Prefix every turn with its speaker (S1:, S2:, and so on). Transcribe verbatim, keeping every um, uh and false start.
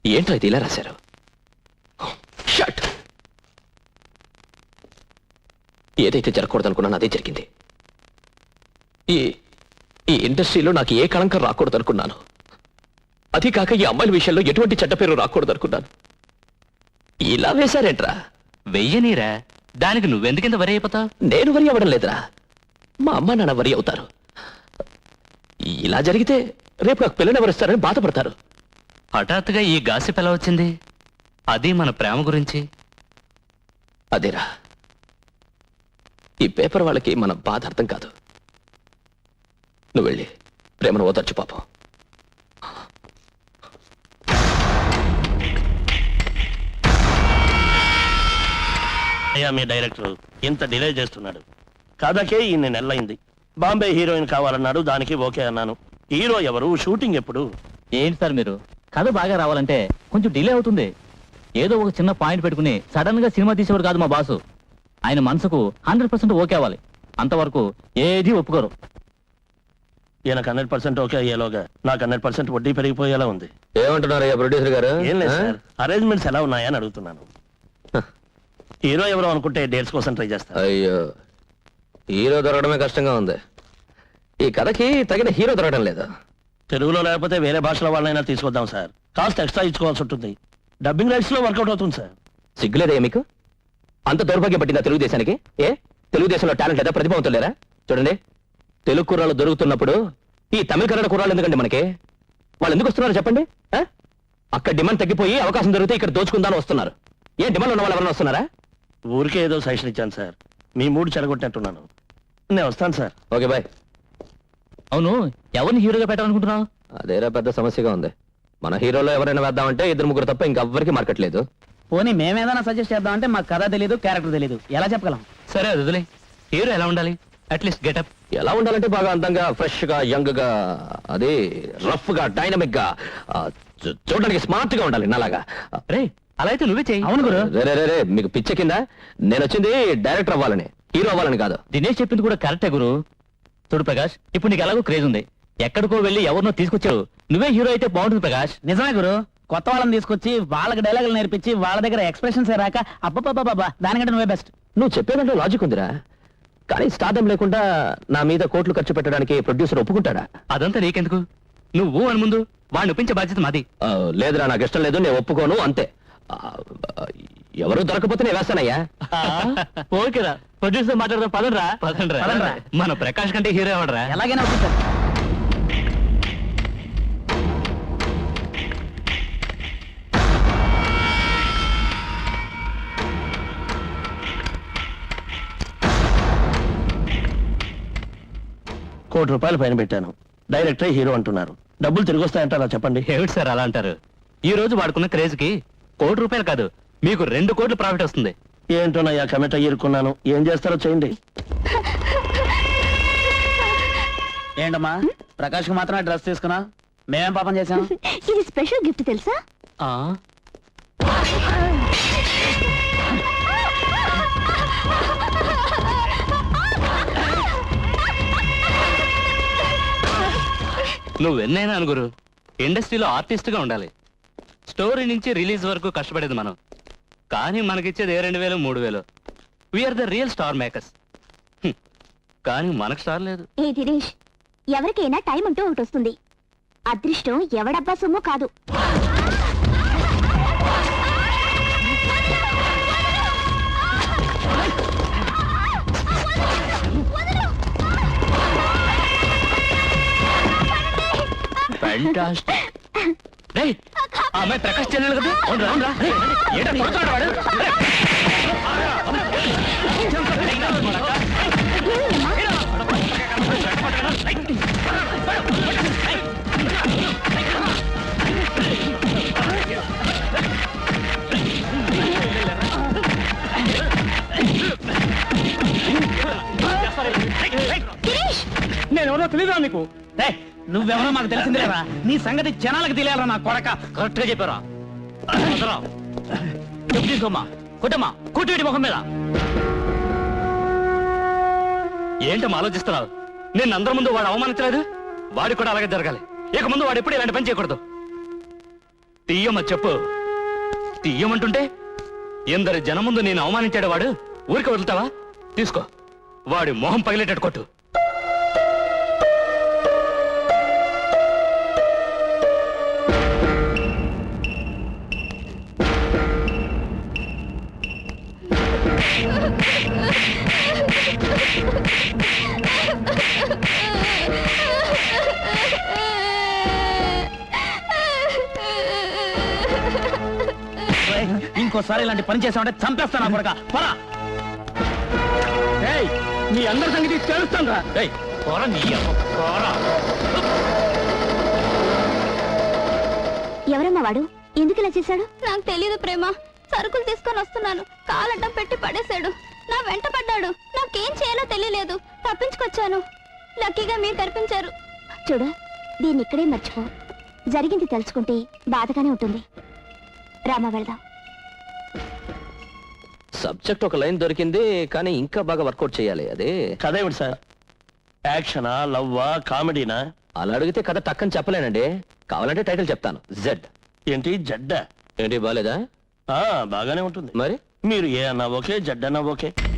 S1: ఏంటో ఇది ఇలా రాశారు? షట్. ఏదైతే జరగకూడదనుకున్నాను అదే జరిగింది. ఈ ఈ ఇండస్ట్రీలో నాకు ఏ కళంకం రాకూడదనుకున్నాను. అది కాక ఈ అమ్మాయిల విషయంలో ఎటువంటి చెడ్డ పేరు రాకూడదనుకున్నాను. ఇలా వేశారేంట్రా?
S2: వెయ్యనీరా, దానికి నువ్వెందుకింత వరి అయిపోతావు?
S1: నేను వరి అవ్వడం లేదురా, మా అమ్మ నాన్న వరి అవుతారు. ఇలా జరిగితే రేపు నాకు పిల్లని ఎవరిస్తారని బాధపడతారు.
S2: హఠాత్తుగా ఈ గాసిప్ ఎలా వచ్చింది? అది మన ప్రేమ గురించి.
S1: అదేరా, ఈ పేపర్ వాళ్ళకి మన బాధ అర్థం కాదు. నువ్వు వెళ్ళి ప్రేమను ఓదార్చు పాపం.
S3: అయ్యా, మీ డైరెక్టర్ ఇంత డిలే చేస్తున్నాడు. కథకే ఇన్ని నెలలైంది. బాంబే హీరోయిన్ కావాలన్నాడు, దానికి ఓకే అన్నాను. హీరో ఎవరు, షూటింగ్ ఎప్పుడు?
S4: ఏంటి సార్ మీరు, కథ బాగా రావాలంటే కొంచెం డిలే అవుతుంది. ఏదో ఒక చిన్న పాయింట్ పెట్టుకుని సడన్ గా సినిమా తీసేవారు కాదు మా బాసు. ఆయన మనసుకు హండ్రెడ్ పర్సెంట్ ఓకే అవ్వాలి, అంతవరకు ఏది ఒప్పుకోరు.
S3: ఈయనకు హండ్రెడ్ పర్సెంట్ ఓకే అయ్యేలోగా నాకు హండ్రెడ్ పర్సెంట్ వడ్డీ పెరిగిపోయేలా ఉంది.
S1: ఏమంటున్నారు ప్రొడ్యూసర్ గారు?
S3: ఏం లేదు సార్, అరేంజ్మెంట్స్ ఎలా ఉన్నాయని అడుగుతున్నాను. హీరో ఎవరో అనుకుంటే డేట్స్ కోసం ట్రై చేస్తాను.
S1: అయ్యో, హీరో దొరకడమే కష్టంగా ఉంది. ఈ కథకి తగిన హీరో దొరకడం లేదా?
S3: తెలుగులో లేకపోతే వేరే భాషలో వాళ్ళైనా తీసుకొద్దాం సార్. కాస్ట్ ఎక్స్ట్రా ఇచ్చుకోవాల్సి ఉంటుంది. డబ్బింగ్ రైట్స్ లో వర్కౌట్ అవుతుంది సార్.
S1: సిగ్గులేదా మీకు? అంత దౌర్భాగ్యం పట్టిందా తెలుగుదేశానికి? ఏ తెలుగుదేశంలో టాలెంట్ లేదా, ప్రతిభావంతులు లేరా? చూడండి, తెలుగు కుర్రాళ్ళు దొరుకుతున్నప్పుడు ఈ తమిళ కన్నడ కుర్రాళ్ళు ఎందుకండి మనకి? వాళ్ళు ఎందుకు వస్తున్నారు చెప్పండి? అక్కడ డిమాండ్ తగ్గిపోయి అవకాశం దొరికితే ఇక్కడ దోచుకుందాని వస్తున్నారు. ఏ డిమాండ్ ఉన్న వాళ్ళు ఎవరైనా వస్తున్నారా?
S3: ఊరికే ఏదో సజెషన్ ఇచ్చాను సార్, మీ మూడు చెడగొట్టినట్టున్నాను. నేను వస్తాను సార్.
S1: Okay bye.
S4: అవును, ఎవరిని హీరోగా పెట్టాలనుకుంటున్నావు?
S1: అదేరా పెద్ద సమస్యగా ఉంది. మన హీరోలో ఎవరైనా వేద్దామంటే ఇద్దరు ముగ్గురు తప్ప ఇంకెవ్వరికి మార్కెట్ లేదు.
S5: పోనీ మేమేదైనా సజెస్ట్ చేద్దామంటే మాకు కథ తెలియదు, క్యారెక్టర్ తెలియదు, ఎలా చెప్పగలం?
S2: సరే అది వదిలే. హీరో ఎలా ఉండాలి? అట్లీస్ట్ గెటప్
S1: ఎలా ఉండాలంటే బాగా అందంగా, ఫ్రెష్ గా, యంగ్ గా, అదే రఫ్ గా, డైనమిక్ గా, చూ- చూడడానికి స్మార్ట్ గా ఉండాలి నాలాగా.
S2: రే, అలా అయితే నువ్వే చెయ్యి.
S5: అవును గురు.
S1: రే రే రే రే, మీకు పిచ్చ కింద? నేను వచ్చింది డైరెక్టర్ అవ్వాలని, హీరో అవ్వాలని కాదు.
S4: దినేష్ చెప్పింది కూడా కరెక్టే గురు. చూడు ప్రకాష్, ఇప్పుడు నీకు ఎలాగో క్రేజ్ ఉంది, ఎక్కడికో వెళ్ళి ఎవరినో తీసుకొచ్చారు, నువ్వే హీరో అయితే బాగుంటుంది ప్రకాష్.
S5: నిజమే గురు, కొత్త వాళ్ళని తీసుకొచ్చి వాళ్ళకి డైలాగులు నేర్పించి వాళ్ళ దగ్గర ఎక్స్ప్రెషన్స్ రాక అబ్బబ్బబ్బా దానికంటే నువ్వే బెస్ట్.
S1: నువ్వు చెప్పేదంటే లాజిక్ ఉందిరా, కానీ స్టార్డం లేకుండా నా మీద కోట్లు ఖర్చు పెట్టడానికి ప్రొడ్యూసర్ ఒప్పుకుంటాడా?
S2: అదంతా నీకెందుకు? నువ్వు అని ముందు వాడిని ఒప్పించే బాధ్యత మాది.
S1: ఆ, లేదురా, నాకు ఇష్టం లేదు, నేను ఒప్పుకోను అంతే. ఆ, ఎవరు దొరకపోతే నేను వేస్తానయ్యా.
S4: ఓకేరా, ప్రొడ్యూసర్ మాట్లాడదాం, పదండ్రా.
S2: పదండ్రా.
S5: పదండ్రా.
S2: మన ప్రకాష్ కంటే హీరో ఎవడరా?
S5: ఎలాగైనా అవుతుంది సార్.
S3: కోటి రూపాయలు పైన పెట్టాను, డైరెక్టర్ హీరో అంటున్నారు. డబ్బులు తిరిగి వస్తాయంటారా చెప్పండి?
S2: ఏమిటి సార్ అలా అంటారు? ఈ రోజు వాడుకున్న క్రేజ్ కి కోటి రూపాయలు కాదు, మీకు రెండు కోట్లు ప్రాఫిట్ వస్తుంది.
S3: ఏంటోనయ్యా, కమిట్ అయ్యిరుకున్నాను. ఏం చేస్తారో చేయండి.
S5: ఏంటమ్మా, ప్రకాష్ కు మాత్రమే డ్రెస్ తీసుకున్నా, మేమేం పాపం చేసాం?
S6: ఇది స్పెషల్ గిఫ్ట్ తెలుసా?
S2: ఆ నువ్వెన్నైనా అనుగురు, ఇండస్ట్రీలో ఆర్టిస్ట్ గా ఉండాలి. స్టోరీ నుంచి రిలీజ్ వరకు కష్టపడేది మనం, కానీ మనకిచ్చేది ఏ రెండు వేలు మూడు వేలు. We are the real star makers. కానీ మనకు స్టార్ లేదు.
S6: ఏ దినేష్, ఎవరికైనా టైం అంటూ ఒకటి వస్తుంది. అదృష్టం ఎవడబ్బా సొమ్ము కాదు.
S2: ఫ్యాంటాస్టిక్. రేయ్, ఆ అమ్మాయి ప్రకాష్ చెల్లెలు కదా? అవునురా, అవునురా. రేయ్, ఏంటా కొడుతున్నాడు వాడు?
S5: నేను ఎవరో తెలియదా నీకు? నువ్వెవరో మాకు తెలిసిందిలేరా, నీ సంగతి జనాలకు తెలియాలరా నా కొడక.
S4: కరెక్ట్ గా చెప్పారా? చెప్పు తీసుకోమ్మా, కొట్టమ్మా, కొట్టి ముఖం మీద.
S2: ఏంటమ్మా ఆలోచిస్తున్నావు? నేను అందరి ముందు వాడు అవమానించలేదు, వాడి కూడా అలాగే జరగాలి. ఇక ముందు వాడు ఎప్పుడు ఇలాంటి పని చేయకూడదు. తీయమ్మ చెప్పు తీయమంటుంటే ఎందరి జనం ముందు నేను అవమానించాడు వాడు ఊరికి వదులుతావా తీసుకో వాడి మొహం పగిలేటట్టు కొట్టు
S5: రేయ్, ఇంకోసారి ఇలాంటి పని చేసామంటే చంపేస్తాను కొడక పరా ఏయ్ మీ అందరి సంగతి తెలుస్తాను రా
S4: ఏయ్, పోరా నీ అమ్మ, పోరా.
S6: ఎవరమ్మా వాడు ఎందుకు ఇలా చేశాడు?
S7: నాకు తెలీదు ప్రేమ. సరుకులు తీసుకొని వస్తున్నాను, కాలడ్డం పెట్టి పడేశాడు. నా వెంట పడ్డాడు. నాకేం చేయాలో తెలియలేదు, తప్పించుకొచ్చాను. లక్కీగా మీరు కనిపించారు.
S6: చూడు, దీన్ని ఇక్కడే మర్చిపో. జరిగింది తెలుసుకుంటే బాధగానే ఉంటుంది. రామా వెళ్దాం.
S1: సబ్జెక్ట్ ఒక లైన్ దొరికింది కానీ ఇంకా బాగా వర్కౌట్ చేయాలి. అదే
S3: కథ ఏమిటి సార్? యాక్షనా, లవ్వా, కామెడీనా?
S1: అలా అడిగితే కథ టక్కని చెప్పలేనండి. కావాలంటే టైటిల్ చెప్తాను. జెడ్.
S3: ఏంటి జడ్డా?
S1: ఏంటి బాలేదా?
S3: ఆ, బాగానే ఉంటుంది.
S1: మరి
S3: మీరు ఏ అన్నా ఓకే, జడ్ అన్నా ఓకే.